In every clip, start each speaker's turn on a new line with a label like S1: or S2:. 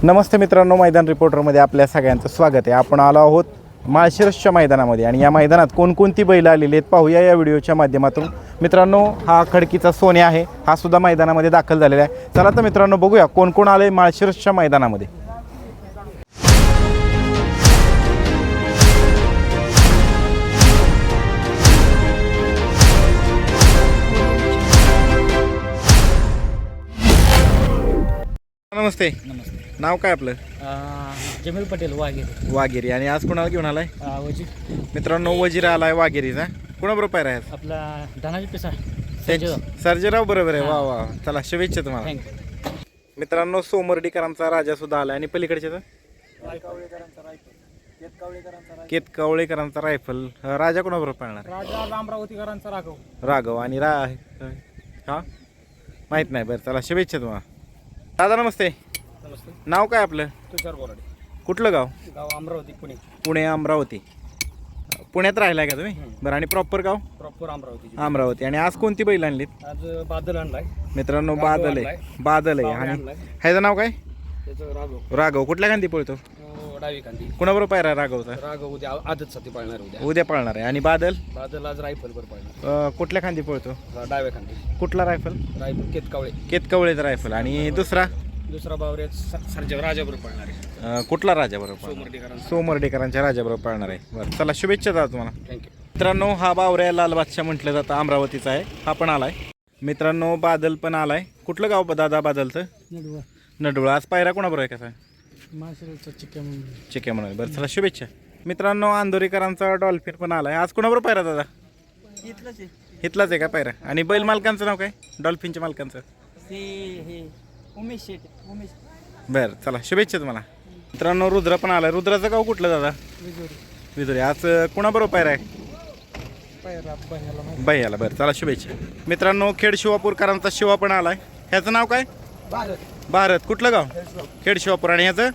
S1: नमस्ते मित्रांनो, मैदान रिपोर्टरमध्ये आपल्या सगळ्यांचं स्वागत आहे. आपण आलो आहोत माळशिरसच्या मैदानामध्ये आणि या मैदानात कोणकोणती बैलं आलेली आहेत पाहूया या व्हिडिओच्या माध्यमातून. मित्रांनो, हा खडकीचा सोन्या आहे, हा सुद्धा मैदानामध्ये दाखल झालेला आहे. चला तर मित्रांनो बघूया कोण कोण आले माळशिरसच्या मैदानामध्ये. नमस्ते.
S2: नमस्ते.
S1: नाव काय आपलं?
S2: जमील पटेल वाघेरी.
S1: वाघेरी. आणि आज कोणाला घेऊन आलाय?
S2: वजीर.
S1: मित्रांनो, वजीर आलाय वाघेरीचा. कोणाबरोबर पायरा आहे?
S2: आपला धनाजी पिसा
S1: सर्जेराव बरोबर आहे. वा वा, चला शुभेच्छा तुम्हाला.
S2: थँक्यू.
S1: मित्रांनो, सोमर्डीकरांचा राजा सुद्धा आलाय आणि पलीकडच्या केतकावळेकरांचा रायफल. राजा कोणाबरोबर पाळणार?
S2: राजा अमरावतीकरांचा
S1: राघव. आणि हा माहित नाही. बरं, चला शुभेच्छा तुम्हाला. दादा नमस्ते.
S2: नमस्ते.
S1: नाव काय आपलं?
S2: तुषार बोराडे.
S1: कुठलं गाव?
S2: गाव अमरावती पुणे.
S1: पुणे अमरावती. पुण्यात राहिलाय का तुम्ही? बरं. आणि प्रॉपर गाव?
S2: प्रॉपर अमरावती.
S1: अमरावती. आणि आज कोणती बैल आणलीत?
S2: आज बादल आणलाय
S1: मित्रांनो. बादल आहे. आणि ह्याचं नाव काय?
S2: त्याचं राघव.
S1: राघव. कुठल्या खांदी पळतो?
S2: डावी खांदी.
S1: कुणाबरोबर पायरा राघवचा?
S2: राघव उद्या आदत साठी पाळणार.
S1: उद्या पाळणार आहे. आणि बादल?
S2: बादल आज रायफल वर पाळणार.
S1: कुठल्या खांदी पळतो?
S2: डाव्या खांदी.
S1: कुठला रायफल?
S2: Rifle
S1: केतकावळेचा rifle. आणि दुसरा
S2: बावरे सर्जा राजाबरोबर पाळणार आहे.
S1: कुठला राजा बरोबर? सोमर्डीकरांच्या राजाबरोबर पाळणार आहे. बरं, चला शुभेच्छा दादा तुम्हाला.
S2: थँक्यू.
S1: मित्रांनो, हा बावऱ्या लाल बादशाह म्हटलं जातं, अमरावतीचा आहे. हा पण आलाय. मित्रांनो, बादल पण आलाय. कुठलं गाव दादा बादलचं? नडुळा. आज पायरा कोणाबरोबर आहे? कसा? चिक्या म्हणून. बरं, चला शुभेच्छा. मित्रांनो, अंधोरीकरांचा डॉल्फिन पण आलाय. आज कोणाबरोबर पायरा दादा? इथलाच आहे का पायरा? आणि बैल मालकांचं नाव काय? डॉल्फिनच्या मालकांचं?
S2: उमेश.
S1: बरं, चला शुभेच्छा तुम्हाला. मित्रांनो, रुद्र पण आलाय. रुद्राचं गाव कुठलं दादा? विदुरी. आज कोणाबरोबर पायरा आहे? भैयाला. बरं, चला शुभेच्छा. मित्रांनो, खेड शिवापूरकरांचा शिवा पण आलाय. ह्याचं नाव काय? भारत. कुठलं गाव? खेड शिवापूर. आणि ह्याचं?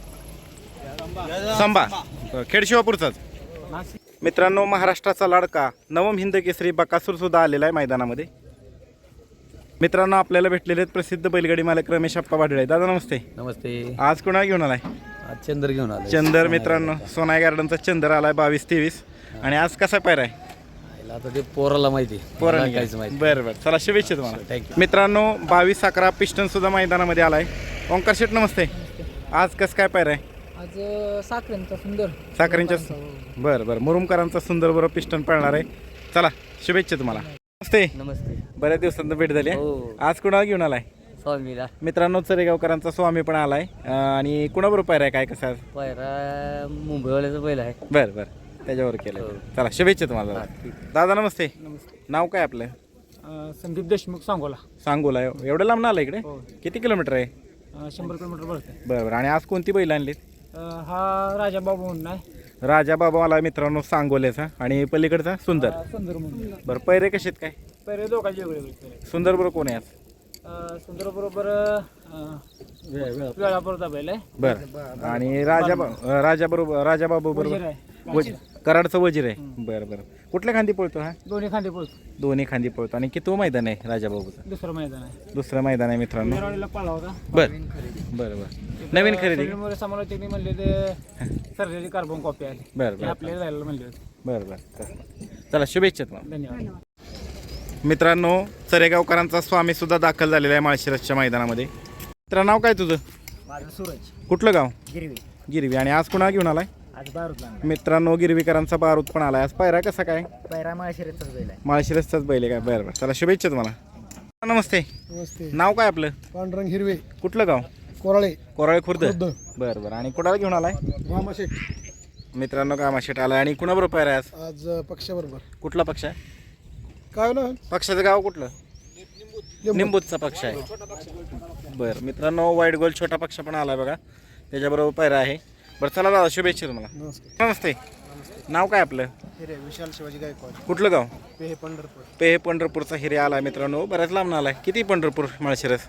S1: संभा. खेड शिवापूरचाच. मित्रांनो, महाराष्ट्राचा लाडका नवम हिंद केसरी बकासूर सुद्धा आलेला आहे मैदानामध्ये. मित्रांनो, आपल्याला भेटलेले आहेत प्रसिद्ध बैलगाडी मालक रमेश आप्पा भाडळे. दादा नमस्ते.
S2: नमस्ते.
S1: आज कोणा घेऊन आलाय?
S2: चंदर घेऊन आला.
S1: चंदर. मित्रांनो, सोनाई गार्डनचा चंदर आलाय 22-23. आणि आज कसा पायरा आहे?
S2: आता ते पोराला माहिती.
S1: काहीच माहिती. बरं बरं, चला शुभेच्छा तुम्हाला.
S2: थँक्यू.
S1: मित्रांनो, 22-11 पिस्टन सुद्धा मैदानामध्ये आलाय. ओंकार शेठ नमस्ते. आज कसं काय पायरा आहे?
S2: आज साखरेंचा सुंदर.
S1: साखरेंच्या. बरं बरं, मुरुमकरांचा सुंदर बरोबर पिस्टन पळणार आहे. चला शुभेच्छा तुम्हाला. नमस्ते.
S2: नमस्ते.
S1: बऱ्याच दिवसांत भेट झाली.
S2: हो.
S1: आज कुणाला घेऊन आलाय?
S2: स्वामीला.
S1: मित्रांनो, चरेगावकरांचा स्वामी पण आलाय. आणि कुणाबरोबर पायरा आहे? काय कसं?
S2: पायरा मुंबईवाल्याचा बैल आहे.
S1: बरं बरं, त्याच्यावर केलं. चला शुभेच्छा तुम्हाला. दादा नमस्ते.
S2: नमस्ते.
S1: नाव काय आपलं?
S2: संदीप देशमुख सांगोला.
S1: सांगोला. एवढं लांब आलं इकडे? किती किलोमीटर आहे?
S2: 100 किलोमीटर भरते.
S1: बरं बरं. आणि आज कोणती बैल आणलीत?
S2: हा राजा बाबू म्हणून आहे.
S1: राजा बाबा आला मित्रांनो सांगोल्याचा. आणि पलीकडचा सुंदर.
S2: सुंदर म्हणून.
S1: बरं, पैरे कसे आहेत काय?
S2: पहिले दोघांचे वेगळे.
S1: सुंदर बरोबर कोण आहे आज?
S2: सुंदर बरोबर वेळापूरचा बैल आहे.
S1: बरं. आणि राजा बाबू बरोबर कराडचं वजीर आहे. बरं बरं. कुठल्या खांदी पळतो हा?
S2: दोन्ही खांदे पोहोच.
S1: दोन्ही खांदी पळतो. आणि किती मैदान आहे राजाबाबूचं?
S2: दुसरं मैदान आहे.
S1: दुसरं मैदान आहे मित्रांनो.
S2: पाळला होता.
S1: बरं बरं बरं. नवीन खरेदी.
S2: समालोचक म्हणले ते सर्जरी कार्बन कॉपी आली.
S1: बरं बरं.
S2: आपल्याला जायला म्हणले होते.
S1: बरं बरं, चला शुभेच्छा तुम्हाला.
S2: धन्यवाद.
S1: मित्रांनो, चरेगावकरांचा स्वामी सुद्धा दाखल झालेला आहे माळशिरसच्या मैदानामध्ये. मित्रा, नाव काय तुझं?
S2: माझं सूरज.
S1: कुठलं गाव?
S2: गिरवी.
S1: आणि आज कुणाला घेऊन आलाय?
S2: आज बारूद.
S1: मित्रांनो, गिरवीकरांचा बारूद पण आलाय. आज पायरा कसा काय?
S2: पैरा माळशिरसचाच बैल आहे.
S1: माळशिरसचाच बैल आहे काय? बरं बरं, चला शुभेच्छा तुम्हाला. नमस्ते.
S2: नमस्ते.
S1: नाव काय आपलं?
S2: पांडुरंग हिरवे.
S1: कुठलं गाव?
S2: कोराळे
S1: खुर्द. बरं बरं. आणि कुणाला घेऊन आलाय? मित्रांनो, कामाशेट आलाय. आणि कुणाबरोबर पायरा आहे
S2: आज पक्षाबरोबर.
S1: कुठला पक्ष आहे?
S2: काय ना
S1: पक्षाचं गाव कुठलं? निंबूतचा पक्ष आहे. बरं मित्रांनो, वाईट गोल छोटा पक्ष पण आलाय बघा, त्याच्याबरोबर पायरा आहे. बरं, चला दादा शुभेच्छा तुम्हाला. नमस्ते. नाव काय आपलं?
S2: हिरे विशाल शिवाजी गायकवाड.
S1: कुठलं गाव?
S2: पेहे
S1: पंढरपूरचा हिरे आलाय मित्रांनो. बऱ्याच लांब आलाय. किती पंढरपूर माळशिरस?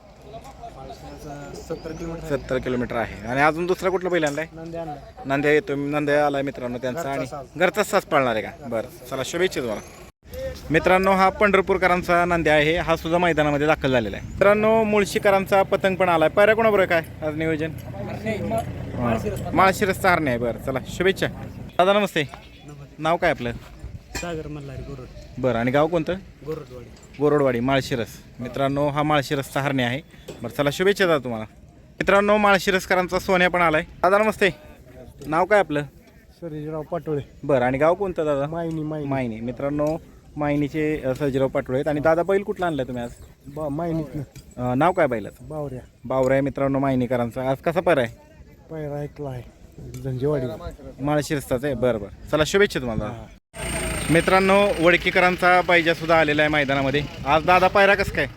S1: 70 किलोमीटर आहे. आणि अजून दुसरा कुठला बैल आणलाय? नांद्या येतो. नांद्या आलाय मित्रांनो त्यांचा. आणि घरचाच सास पाळणार आहे का? बरं, चला शुभेच्छा तुम्हाला. मित्रांनो, हा पंढरपूरकरांचा नांद्या आहे. हा सुद्धा मैदानामध्ये दाखल झालेला आहे. मित्रांनो, मुळशीकरांचा पतंग पण आलाय. पायऱ्या कोणाबरोबर काय आज नियोजन? माळशिरसचा हरणे आहे. बरं चला शुभेच्छा. दादा नमस्ते. नाव काय आपलं?
S2: सागर मल्हारी गोरड
S1: बरं आणि गाव कोणतं?
S2: गोरडवाडी.
S1: गोरडवाडी माळशिरस. मित्रांनो हा माळशिरसचा हरणे आहे. बरं चला शुभेच्छा दादा तुम्हाला. मित्रांनो माळशिरसकरांचा सोन्या पण आलाय. दादा नमस्ते. नाव काय आपलं?
S2: सर्जेराव पाटोळे.
S1: बरं आणि गाव कोणतं दादा?
S2: मायनी
S1: मायनी. मित्रांनो मायनीचे सर्जीराव पाटोळे आहेत. आणि दादा बैल कुठला आणलाय तुम्ही आज?
S2: मायनीतनं
S1: नाव काय बैलाचं?
S2: बावऱ्या.
S1: बावरा आहे मित्रांनो मायनीकरांचा. आज कसा पायरा आहे?
S2: पायरा ऐकला आहे झंजेवाडी.
S1: माळशिरसचाच आहे. बरं बरं चला शुभेच्छा तुम्हाला. मित्रांनो वडकीकरांचा पायजा सुद्धा आलेला आहे मैदानामध्ये. आज दादा पायरा कसं काय?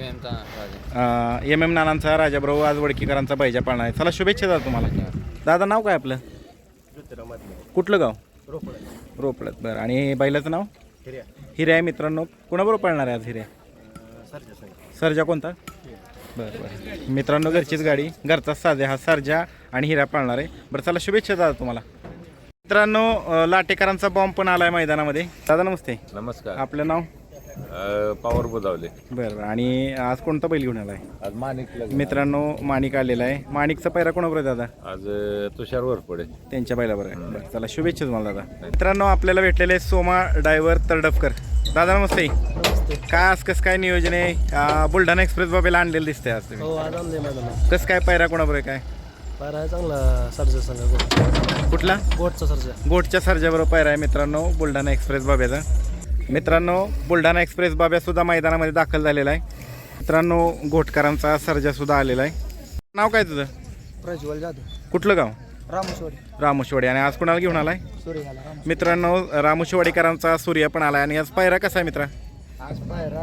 S1: एम नानांचा राजाबरोबर आज वडकीकरांचा पायजा पाळणार आहे. चला शुभेच्छा दादा तुम्हाला. दादा नाव काय आपलं? कुठलं गाव? रोपडत. बरं आणि बैलाचं नाव? हिरे आहे. मित्रांनो कुणाबरोबर पाळणार आहे आज हिरे? सर्जा कोणता? बरं बरं मित्रांनो घरचीच गाडी, घरचाच साध्या हा सर्जा आणि हिरा पाळणार आहे. बरं चला शुभेच्छा दादा तुम्हाला. मित्रांनो लाटेकरांचा बॉम्ब पण आलाय मैदानामध्ये. दादा नमस्ते.
S3: नमस्कार.
S1: आपलं नाव?
S3: पॉवर बुजावले.
S1: बरं बरं आणि आज कोणता बैल घेऊन आलाय?
S3: आज माणिक
S1: मित्रांनो माणिक आलेला आहे. माणिकचा पैरा कोणाबरोबर आहे दादा?
S3: आज तुषार वरपडे
S1: त्यांच्या बैलाबरोबर आहे. बरं चला शुभेच्छा तुम्हाला दादा. मित्रांनो आपल्याला भेटलेले सोमा ड्रायव्हर तरडफकर. दादा नमस्ते. काय आज कसं काय नियोजन आहे? बुलढाणा एक्सप्रेस बाबेला आणलेलं दिसतंय आज तुम्ही.
S2: हो आज आणले मैदान.
S1: कसं काय पैरा कोणाबरोबर आहे काय?
S2: पायरा आहे चांगला सर्जा संघ.
S1: कुठला?
S2: गोटचा सर्जा.
S1: गोटच्या सर्जाबरोबर पैरा आहे मित्रांनो बुलढाणा एक्सप्रेस बाब्याचा. मित्रांनो बुलढाणा एक्सप्रेस बाब्या सुद्धा मैदानामध्ये दाखल झालेला आहे. मित्रांनो घोटकरांचा सर्जा सुद्धा आलेला आहे. नाव काय तुझं?
S2: प्रज्वल जाधव.
S1: कुठलं गाव?
S2: रामेश्वरी.
S1: रामोशवाडी. आणि आज कुणाला घेऊन आलाय?
S2: सूर्यगाला.
S1: मित्रांनो रामोशवाडीकरांचा सूर्य पण आलाय. आणि आज पायरा कसा आहे मित्रा?
S2: आज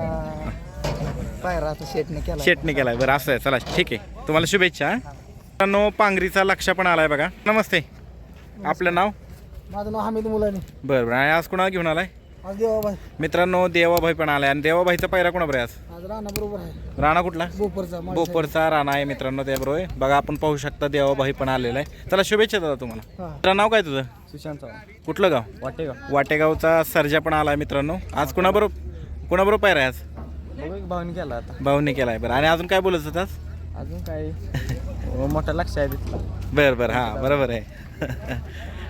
S2: पायरा आता शेटने केला.
S1: शेटने केलाय. बरं असं आहे. चला ठीक आहे तुम्हाला शुभेच्छा. मित्रांनो पांगरीचा लक्ष पण आलाय बघा. नमस्ते. आपलं नाव?
S2: माझं नाव हमीद मुलानी.
S1: बरं बरं आणि आज कुणाला घेऊन आलाय?
S2: आज देवाबाई.
S1: मित्रांनो देवाभाई पण आलाय. आणि देवाभाईचा पायरा कोणाबरोबर आहे आज?
S2: आज राणा बरोबर आहे.
S1: राणा कुठला?
S2: बोपरचा.
S1: बोपरचा राणा आहे मित्रांनो त्याबरोबर. बघा आपण पाहू शकता देवाभाई पण आलेला आहे. चला शुभेच्छा दादा तुम्हाला. तुझं नाव काय तुझं?
S2: सुशांत चव्हाण.
S1: कुठलं गाव?
S2: वाटेगाव.
S1: वाटेगावचा सर्जा पण आलाय मित्रांनो. आज कुणाबरोबर पायरा आहे आज?
S2: भावनी केला आता.
S1: भाऊने केलाय. बरं आणि अजून काय बोलत होतास?
S2: अजून काय मोठा लक्ष आहे तिथला.
S1: बरं बरं हां बरोबर आहे.